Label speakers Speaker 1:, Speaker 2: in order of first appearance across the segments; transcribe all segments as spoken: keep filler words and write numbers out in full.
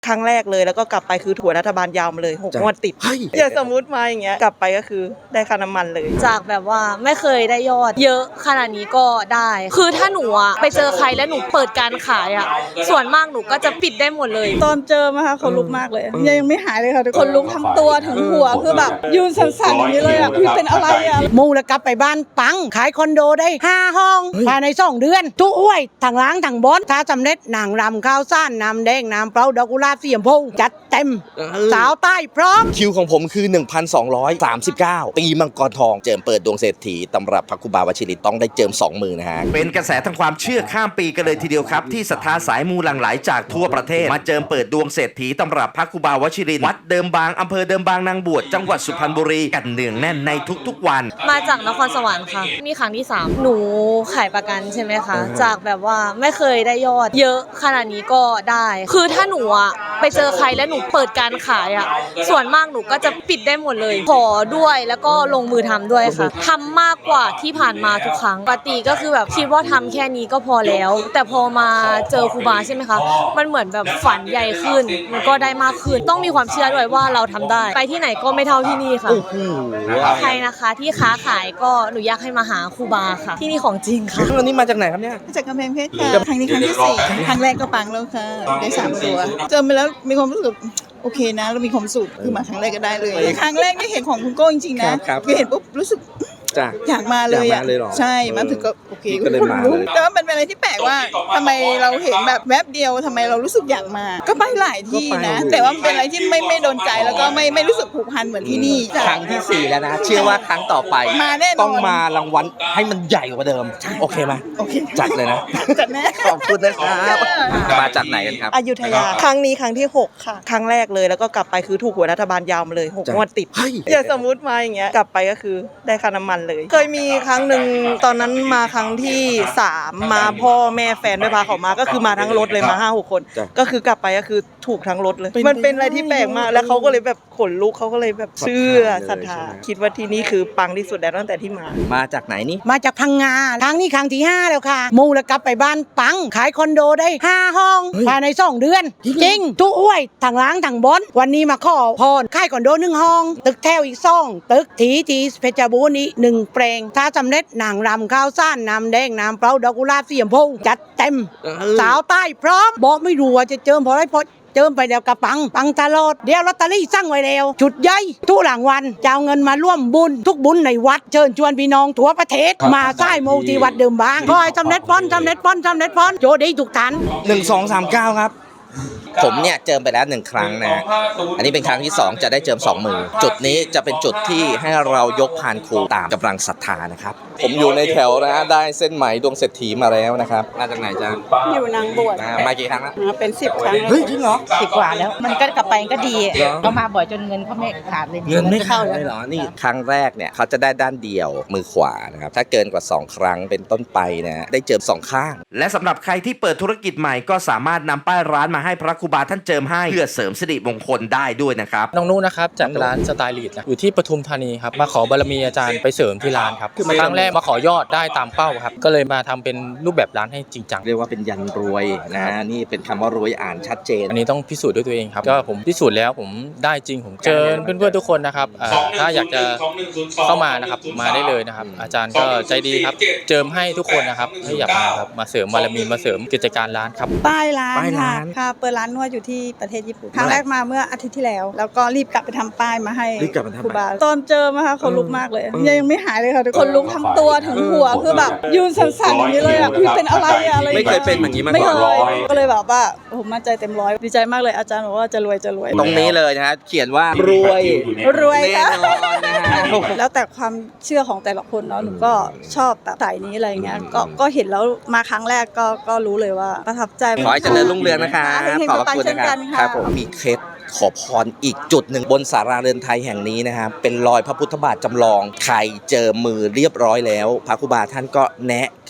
Speaker 1: ครั้งแรกเลยแล้วก็กลับไปคือถั่วรัฐบาลยาวมาเลยหกงวดติดอย่างสมมุติมาอย่างเงี้ยกลับไปก็คือได้ค่าน้ำมันเลย
Speaker 2: จากแบบว่าไม่เคยได้ยอดเยอะขนาดนี้ก็ได้คือถ้าหนูอะไปเจอใครแล้วหนูเปิดการขายอะส่วนมากหนูก็จะปิดได้หมดเลย
Speaker 3: ตอนเจอมาค่ะคนลุกมากเลยยังไม่หายเลยค่ะคนลุกทั้งตัวถึงหัวคือแบบยืนสั่นๆอย่างนี้เลยอ่ะพี่เป็นอะไรอ่ะ
Speaker 4: มูแล้วกลับไปบ้านปังขายคอนโดได้ห้าห้องภายในสองเดือนทุกอ้วยถังล้างถังบอนถ้าสำเร็จหนังรำข้าวซ่านน้ำแดงน้ำเปล่าดอกกุหลาบสีชมพูจัดเต็มสาวใต้พร้อม
Speaker 5: คิวของผมคือ หนึ่งพันสองร้อยสามสิบเก้า ปีมังกรทองเจิมเปิดดวงเศรษฐีตำรับพระครูบาวชิริต้องได้เจิมสองมือนะฮะเป็นกระแสทางความเชื่อข้ามปีกันเลยทีเดียวครับที่ศรัทธาสายมูหลั่งไหลจากทั่วประเทศมาเจิมเปิดดวงเศรษฐีตำรับพระครูบาวชิริวัดเดิมบางอำเภอเดิมบางนางบวชจังหวัดสุพรรณบุรีกันเนืองแน่นในทุกๆวัน
Speaker 2: มาจากนครสวรรค์ค่ะนี่ครั้งที่สามหนูขายประกันใช่ไหมคะจากแบบว่าไม่เคยได้ยอดเยอะขนาดนี้ก็ได้คือถ้าหนูอะไปเจอใครแล้วหนูเปิดการขายอะส่วนมากหนูก็จะปิดได้หมดเลยขอด้วยแล้วก็ลงมือทำด้วยค่ะทำมากกว่าที่ผ่านมาทุกครั้งปกติก็คือแบบคิดว่าทำแค่นี้ก็พอแล้วแต่พอมาเจอครูบาใช่ไหมคะมันเหมือนแบบฝันใหญ่ขึ้นมันก็ได้มากขึ้นต้องมีความเชื่อด้วยว่าเราทำได้ไปที่ไหนก็ไม่เท่าที่นี่ค่ะใครนะคะที่ค้าขายก็หนูอยากให้มาหาครูบาค่ะที่นี่ของจริงค่ะ
Speaker 5: วันนี้มาจากไหนครับเนี่ย
Speaker 3: จากกำแพงเพชรค่ะครั้งนี้ครั้งที่สี่ครั้งแรกก็ปังแล้วค่ะได้สามตัวเจอไปแล้วมีความรู้สึกโอเคนะแล้วมีความสุขคือมาครั้งแรกก็ได้เลยครั้งแรกที่เห็นของคุณโก้จริงๆนะคือเห็นปุ๊บรู้สึกอยากมาเลยอ่ะใช่มาถึงก็โอเคก็เลยมาเลยแต่ว่ามันเป็นอะไรที่แปลกว่าทำไมเราเห็นแบบแวบเดียวทำไมเรารู้สึกอยากมาก็ไปหลายที่นะแต่ว่ามันเป็นอะไรที่ไม่ไม่โดนใจแล้วก็ไม่ไม่รู้สึกผูกพันเหมือนที่นี่
Speaker 5: ครั้งที่สี่แล้วนะเชื่อว่าครั้งต่อไป
Speaker 3: มาแน่นอน
Speaker 5: ต้องมารางวัลให้มันใหญ่กว่าเดิมโอเคไหม
Speaker 3: โอเค
Speaker 5: จัดเลยนะ
Speaker 3: จัดแน่
Speaker 5: ขอบคุณนะครับมาจากไหนกันครับ
Speaker 1: อยุธยาครั้งนี้ครั้งที่หกค่ะครั้งแรกเลยแล้วก็กลับไปคือถูกหัวรัฐบาลยาวมาเลยหกงวดติดอย่างสมมุติมาอย่างเงี้ยกลับไปก็คือได้ค่าน้ำมันเลยเคยมีครั้งหนึ่งตอนนั้นมาครั้งที่สามมาพ่อแม่แฟนไม่พาเขามาก็คือมาทั้งรถเลยมาห้าหกคนก็คือกลับไปก็คือถูกทั้งรถเลยมันเป็นอะไรที่แปลกมากแล้วเขาก็เลยแบบขนลุกเขาก็เลยแบบเชื่อศรัทธาคิดว่าที่นี่คือปังที่สุดแล้วตั้งแต่ที่มา
Speaker 5: มาจากไหนนี่
Speaker 4: มาจากพังงาครั้งนี้ครั้งที่ห้าแล้วค่ะมูแล้วกลับไปบ้านปังขายคอนโดได้ห้าห้องภายในสองเดือนจริงทุกอ้วยถังล้างถังบอนวันนี้มาขอพรขายคอนโดหนึ่งห้องตึกแถวอีกสองตึกทีทีเพชรบูรณ์อีกหนึ่งแปลงถ้าสำเร็จหนังรำข้าวซ่านน้ำแดงน้ำเปล่าดอกกุหลาบสีชมพูจัดเต็มสาวใต้พร้อมบอกไม่รู้ว่าจะเจิมเพราะอะไรเพราะเจิมไปเดียวกับปังปังตลอดเดี๋ยวลอตเตอรี่สั่งไว้แล้วจุดใหญ่ทุกหลังวันจะเอาเงินมาร่วมบุญทุกบุญในวัดเชิญชวนพี่น้องทั่วประเทศมาสร้างโมที่วัดเดิมบางขอให้สำเร็จพ้นสำเร็จพ้นสำเร็จพ้นโจดีทุกท่าน
Speaker 5: หนึ่ง สอง สาม เก้าครับผมเนี่ยเจิมไปแล้วหนึ่งครั้งนะอันนี้เป็นครั้งที่สองจะได้เจิมสองมือจุดนี้จะเป็นจุดที่ให้เรายกพานครูตามกำลังศรัทธานะครับผมอยู่ในแถวนะได้เส้นไหมดวงเศรษฐีมาแล้วนะครับมาจากไหนจ๊ะ
Speaker 3: อยู่นางบวช
Speaker 5: มากี่ครั้งแล้ว
Speaker 3: เป็นสิบครั้ง
Speaker 5: เฮ้ยจริงเหรอ
Speaker 6: สิบกว่าแล้วมันก็กลับไปก็ดีเขามาบ่อยจนเงินเขาไม่ขาดเลย
Speaker 5: เงินไม่เข้าเลยเหรอนี่ครั้งแรกเนี่ยเขาจะได้ด้านเดียวมือขวานะครับถ้าเกินกว่าสองครั้งเป็นต้นไปนะได้เจิมสองข้างและสำหรับใครที่เปิดธุรกิจใหม่ก็สามารถนำป้ายร้านมาให้พระครูบาท่านเจิมให้เพื่อเสริมสิริมงคลได้ด้วยนะครับ
Speaker 7: น้องนุนะครับจากร้านสไตล์ลีดอยู่ที่ปทุมธานีครับมาขอบารมีอาจารย์ไปเสริมที่ร้านครับครั้งแรกมาขอยอดได้ตามเป้าครับก็เลยมาทำเป็นรูปแบบร้านให้จริงจัง
Speaker 5: เรียกว่าเป็นยันรวยนะนี่เป็นคำว่ารวยอ่านชัดเจน
Speaker 7: อันนี้ต้องพิสูจน์ด้วยตัวเองครับก็ผมพิสูจน์แล้วผมได้จริงผมเจอเพื่อนๆทุกคนนะครับถ้าอยากจะเข้ามานะครับมาได้เลยนะครับอาจารย์ก็ใจดีครับเจิมให้ทุกคนนะครับให้อยากมาครับมาเสริมบารมีมาเสริมกิจการร้านครับ
Speaker 3: ป้ายร้านค่ะค่ะเปิดร้านนวดอยู่ที่ประเทศญี่ปุ่นครั้งแรกมาเมื่ออาทิตย์ที่แล้วแล้วก็รีบกลับไปทำป้ายมาให้ครูบาตอนเจอมาค่ะคนลุกมากเลยยังไม่หายเลยค่ะคนลุกทั้งตัวถึงหัวคือแบบยืนสั่นๆอย่างนี้เลยอ่ะพี่เป็นอะไรอะไร
Speaker 5: ไม่เคยเป็นอย่างนี้มาก่อน
Speaker 3: ไม่เคยก็เลยแบบว่าผมมั่นใจเต็มร้อยดีใจมากเลยอาจารย์บอกว่าจะรวยจะรวย
Speaker 5: ตรงนี้เลยนะฮะเขียนว่ารวย
Speaker 3: รวยแน่นอนนะฮะแล้วแต่ความเชื่อของแต่ละคนเนาะหนูก็ชอบแบบสายนี้อะไรเงี้ยก็ก็เห็นแล้วมาครั้งแรกก็ก็รู้เลยว่าประทับใจ
Speaker 5: ขอให้เจริญรุ่งเรืองนะคะขอบคุณนะครับผมมีเคล็ดขอพรอีกจุดหนึ่งบนศาลาเรือนไทยแห่งนี้นะครับเป็นรอยพระพุทธบาทจำลองใครเจอมือเรียบร้อยแล้วพระครูบาท่านก็แนะ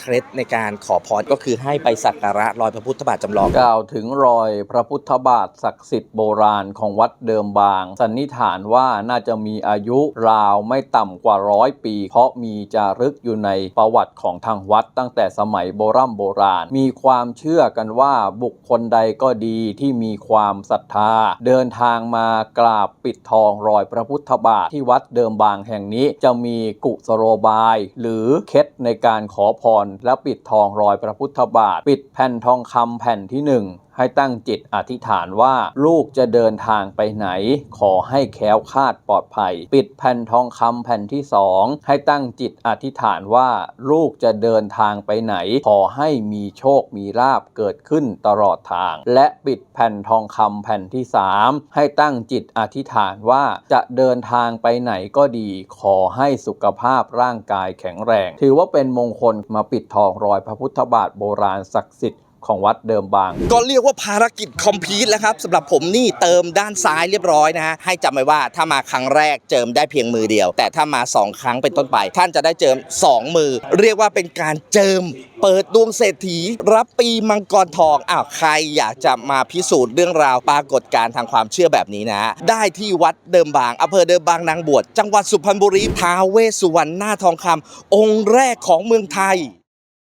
Speaker 5: เคล็ดในการขอพรก็คือให้ไปสักการะรอยพระพุทธบาทจำลอง
Speaker 8: กล่าวถึงรอยพระพุทธบาทศักดิ์สิทธิ์โบราณของวัดเดิมบางสันนิษฐานว่าน่าจะมีอายุราวไม่ต่ำกว่าร้อยปี เพราะมีจารึกอยู่ในประวัติของทางวัดตั้งแต่สมัยโบราณโบราณมีความเชื่อกันว่าบุคคลใดก็ดีที่มีความศรัทธาเดินทางมากราบปิดทองรอยพระพุทธบาทที่วัดเดิมบางแห่งนี้จะมีกุศโลบายหรือเคล็ดในการขอพรและปิดทองรอยพระพุทธบาทปิดแผ่นทองคำแผ่นที่หนึ่งให้ตั้งจิตอธิษฐานว่าลูกจะเดินทางไปไหนขอให้แคล้วคลาดปลอดภัยปิดแผ่นทองคำแผ่นที่สองให้ตั้งจิตอธิษฐานว่าลูกจะเดินทางไปไหนขอให้มีโชคมีลาภเกิดขึ้นตลอดทางและปิดแผ่นทองคำแผ่นที่สามให้ตั้งจิตอธิษฐานว่าจะเดินทางไปไหนก็ดีขอให้สุขภาพร่างกายแข็งแรงถือว่าเป็นมงคลมาปิดทองรอยพระพุทธบาทโบราณศักดิ์สิทธิ์ของวัดเดิมบาง
Speaker 5: ก็เรียกว่าภารกิจคอมพลีทแล้วครับสำหรับผมนี่เติมด้านซ้ายเรียบร้อยนะฮะให้จำไว้ว่าถ้ามาครั้งแรกเจิมได้เพียงมือเดียวแต่ถ้ามาสองครั้งเป็นต้นไปท่านจะได้เจิมสองมือเรียกว่าเป็นการเจิมเปิดดวงเศรษฐีรับปีมังกรทองอ้าวใครอยากจะมาพิสูจน์เรื่องราวปรากฏการณ์ทางความเชื่อแบบนี้นะได้ที่วัดเดิมบางอำเภอเดิมบางนางบวชจังหวัดสุพรรณบุรีท้าวเวสสุวรรณหน้าทองคำองค์แรกของเมืองไทย